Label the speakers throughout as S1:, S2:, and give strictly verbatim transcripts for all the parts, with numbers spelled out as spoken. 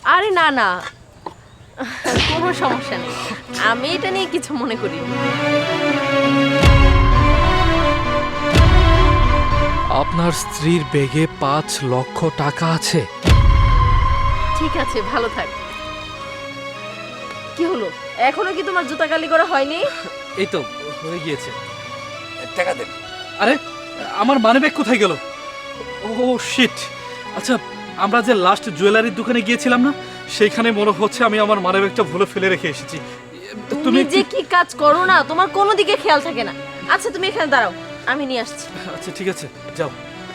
S1: আরে না না, কোনো সমস্যা নেই, আমি এটা নিয়ে কিছু মনে করি।
S2: আপনার স্ত্রীর ব্যাগে পাঁচ লক্ষ টাকা আছে।
S1: ঠিক আছে, ভালো থাক। কি হলো, এখনো কি তোমার জুতা কালি করা হয়নি?
S2: এই তো হয়ে গিয়েছে।
S3: টাকা দেন।
S2: আরে আমার মানিব্যাগ কোথায় গেল? Oh shit. আচ্ছা, আমরা যে লাস্ট জুয়েলারির দোকানে গিয়েছিলাম না, সেইখানে মনে হচ্ছে আমি আমার মানিব্যাগটা ভুলে ফেলে রেখে এসেছি।
S1: তুমি যে কি কাজ করো না, তোমার কোনো দিকে খেয়াল থাকে না। আচ্ছা তুমি এখানে দাঁড়াও, আমি নিয়ে আসছি।
S2: আচ্ছা ঠিক আছে, যাও।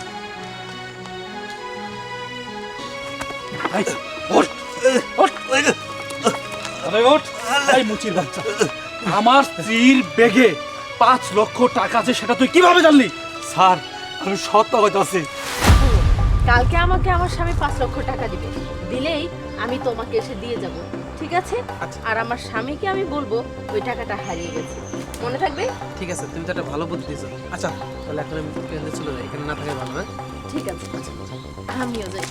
S2: এই, ওঠ, ওঠ, আরে ওঠ। এই মুচির বাচ্চা, আমার স্ত্রীর ব্যাগে পাঁচ লক্ষ টাকা আছে, সেটা তুই কিভাবে জানলি?
S3: স্যার, আমি সত্য কইতাছি।
S1: কালকে আমাকে আমার স্বামী পাঁচ লক্ষ টাকা দিবে, দিলেই আমি তোমাকে এসে দিয়ে যাব, ঠিক আছে? আর আমার স্বামীকে আমি বলবো ওই টাকাটা হারিয়ে গেছে, মনে থাকবে?
S4: ঠিক আছে, তুমি তো একটা ভালো বুদ্ধি দিয়েছো। আচ্ছা তাহলে এখন আমি ট্রেনে চলে যাই, এখানে না থাকে ভালো। হ্যাঁ
S1: ঠিক আছে, আমিও যাই।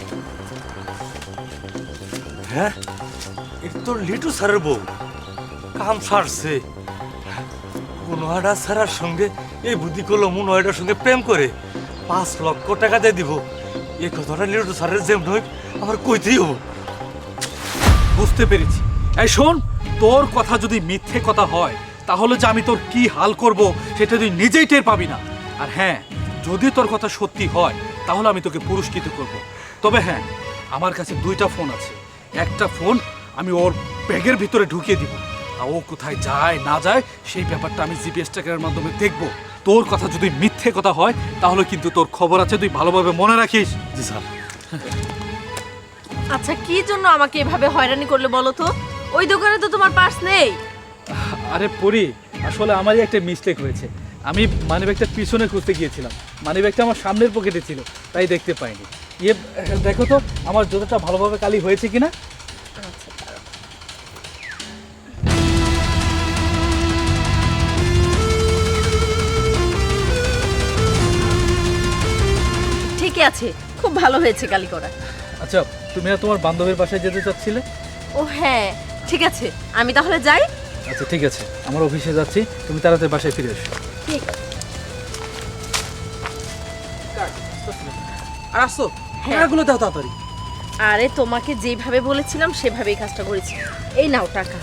S3: হ্যাঁ, এটা তো লিটু স্যারের বউ। কাম সারছে। মনোয়ারা স্যারের সঙ্গে এই বুদ্ধি করলো, মনোয়ারার সঙ্গে প্রেম করে পাঁচ লক্ষ টাকা দিয়ে দিব। এই কথাটা লিটু স্যারের যেমন নয় আমার কইতেই হবো।
S2: বুঝতে পেরেছি। এই শোন, তোর কথা যদি মিথ্যে কথা হয়, তাহলে যে আমি তোর কি হাল করব সেটা তুই নিজেই টের পাবি না। আর হ্যাঁ, যদি তোর কথা সত্যি হয়, তাহলে আমি তোকে পুরস্কৃত করব। তবে হ্যাঁ, আমার কাছে দুইটা ফোন আছে। একটা ফোন আমি ওর ব্যাগের ভিতরে ঢুকিয়ে দিব, আর ও কোথায় যায় না যায় সেই ব্যাপারটা আমি জিপিএস ট্র্যাকারের মাধ্যমে দেখব। তোর কথা যদি মিথ্যে কথা হয়, তাহলে কিন্তু তোর খবর আছে, তুই ভালোভাবে মনে রাখিস।
S3: জি স্যার।
S1: আচ্ছা কি জন্য আমাকে এভাবে হয়রানি করলে বলো তো? ওই দোকানে তো তোমার পার্স নেই।
S2: আরে পরি, আসলে আমারই একটা মিস্টেক হয়েছে। আমি মানিব্যাগটা পিছনে খুঁজতে গিয়েছিলাম, মানিব্যাগটা আমার সামনের পকেটে ছিল, তাই দেখতে পাইনি। ইয়ে দেখো তো আমার জুতোটা ভালোভাবে কালি হয়েছে কিনা।
S1: ঠিকই আছে, খুব ভালো হয়েছে কালি করা।
S2: আচ্ছা, তুমি না তোমার বান্ধবীর বাসায় যেতে চাচ্ছিলে?
S1: ও হ্যাঁ, ঠিক আছে, আমি তাহলে যাই।
S2: আচ্ছা ঠিক আছে, আমার অফিসে যাচ্ছি, তুমি তাড়াতাড়ি বাসায় ফিরে এসো।
S1: ঠিক আছে।
S4: আর আসো,
S1: হ্যাঁ।
S4: টাকাগুলো দাও তাড়াতাড়ি।
S1: আরে তোমাকে যেভাবে বলেছিলাম সেভাবেই কাজটা করেছি। এই নাও টাকা,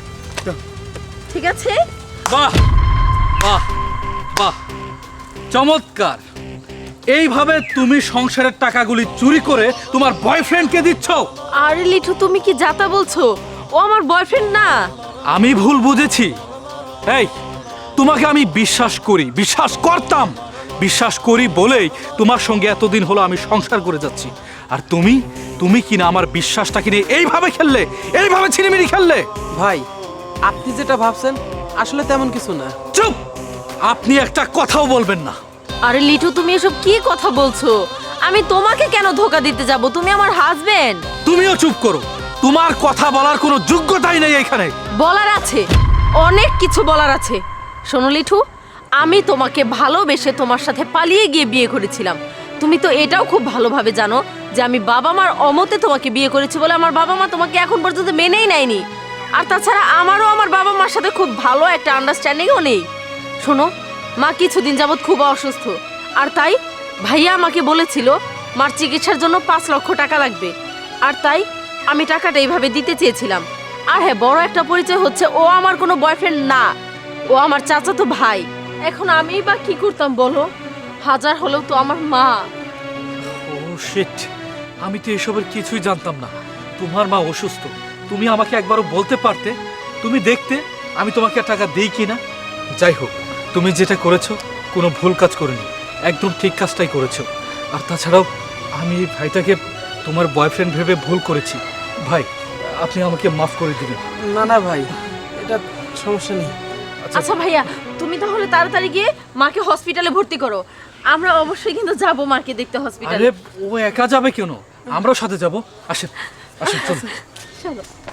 S1: ঠিক আছে?
S2: বাহ বাহ বাহ, চমৎকার। এইভাবে তুমি সংসারের টাকাগুলি চুরি করে তোমার বয়ফ্রেন্ডকে দিচ্ছ?
S1: আরে লিঠু, তুমি কি যাতা বলছো? ও আমার বয়ফ্রেন্ড না।
S2: আমি ভুল বুঝেছি। এই, তোমাকে আমি বিশ্বাস করি, বিশ্বাস করতাম, বিশ্বাস করি বলেই তোমার সঙ্গে এতদিন হলো আমি সংসার করে যাচ্ছি। আর তুমি তুমি কিনা আমার বিশ্বাসটা কিনে এইভাবে খেললে, এইভাবে ছিনিমিনি খেললে।
S4: ভাই, আপনি যেটা ভাবছেন আসলে তেমন কিছু না।
S2: চুপ, আপনি একটা কথাও বলবেন না।
S1: আরে লিঠু, তুমি এসব কি কথা বলছো? আমি তোমাকে কেন ধোকা দিতে যাব? তুমি আমার হাজবেন্ড।
S2: তুমিও চুপ করো, তোমার কথা বলার কোনো যোগ্যতাই নেই এখানে।
S1: বলার আছে, অনেক কিছু বলার আছে। শোনো লিঠু, আমি তোমাকে ভালোবেসে তোমার সাথে পালিয়ে গিয়ে বিয়ে করেছিলাম। তুমি তো এটাও খুব ভালোভাবে জানো যে আমি বাবা মার অমতে তোমাকে বিয়ে করেছি বলে আমার বাবা মা তোমাকে এখন পর্যন্ত মেনেই নেয়নি। আর তাছাড়া আমারও আমার বাবা মার সাথে খুব ভালো একটা আন্ডারস্ট্যান্ডিংও নেই। শোনো, মা কিছুদিন যাবৎ খুব অসুস্থ, আর তাই ভাইয়া আমাকে বলেছিল মার চিকিৎসার জন্য পাঁচ লক্ষ টাকা লাগবে। আর তাই আমি টাকাটা এইভাবে দিতে চেয়েছিলাম। আর হ্যাঁ, বড় একটা পরিচয় হচ্ছে, ও আমার কোনো বয়ফ্রেন্ড না, ও আমার চাচাতো ভাই। এখন আমি বা কি করতাম বলো? হাজার হলেও তো আমার মা।
S2: ও শিট, আমি তো এসবের কিছুই জানতাম না। তোমার মা অসুস্থ, তুমি আমাকে একবারও বলতে পারতে, তুমি দেখতে আমি তোমাকে টাকা দিই কিনা। যাই হোক, তুমি যেটা করেছো কোনো ভুল কাজ করেনি, একদম ঠিক কাজটাই করেছো। আর তাছাড়াও আমি এই ভাইটাকে তোমার বয়ফ্রেন্ড ভেবে ভুল করেছি। ভাই, আপনি আমাকে মাফ করে দিবেন।
S4: না না ভাই, এটা সমস্যা নেই।
S1: আচ্ছা ভাইয়া, তুমি তাহলে তাড়াতাড়ি গিয়ে মাকে হসপিটালে ভর্তি করো। আমরা অবশ্যই কিন্তু যাবো মাকে দেখতে হসপিটালে।
S2: আরে ও একা যাবে কেন? আমরাও সাথে যাব। আসেন আসেন, চলুন।
S1: চলো।